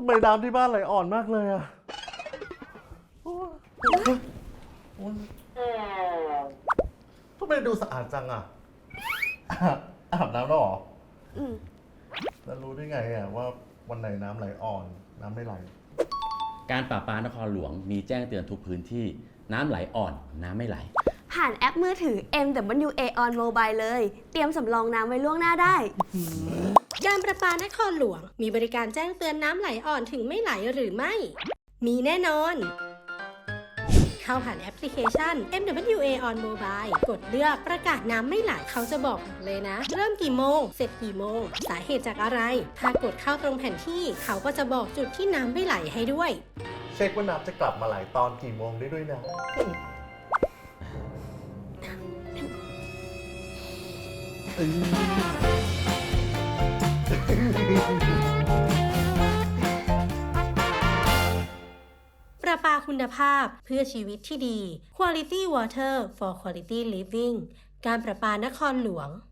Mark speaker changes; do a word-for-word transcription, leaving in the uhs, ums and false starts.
Speaker 1: ำไมน้ำที่บ้านไหลอ่อนมากเลยอะทำไมดูสะอาดจังอะอาบน้ำแล้วเหรออืมแล้วรู้ได้ไงอะว่าวันไหนน้ำไหลอ่อนน้ำไม่ไหล
Speaker 2: การประปานครหลวงมีแจ้งเตือนทุกพื้นที่น้ำไหลอ่อนน้ำไม่ไหล
Speaker 3: ผ่านแอปมือถือ เอ็ม ดับเบิลยู เอ on mobile เลย เตรียมสำรองน้ำไว้ล่วงหน้าได้
Speaker 4: การประปานครหลวงมีบริการแจ้งเตือนน้ำไหลอ่อนถึงไม่ไหลหรือไม่มีแน่นอนเข้าผ่านแอปพลิเคชัน เอ็ม ดับเบิลยู เอ on mobile กดเลือกประกาศน้ำไม่ไหลเขาจะบอกเลยนะเริ่มกี่โมงเสร็จกี่โมงสาเหตุจากอะไรถ้ากดเข้าตรงแผนที่เขาก็จะบอกจุดที่น้ำไม่ไหลให้ด้วย
Speaker 1: เช็คว่าน้ำจะกลับมาไหลตอนกี่โมงได้ด้วยนะ
Speaker 4: ประปาคุณภาพเพื่อชีวิตที่ดี Quality Water for Quality Living การประปานครหลวง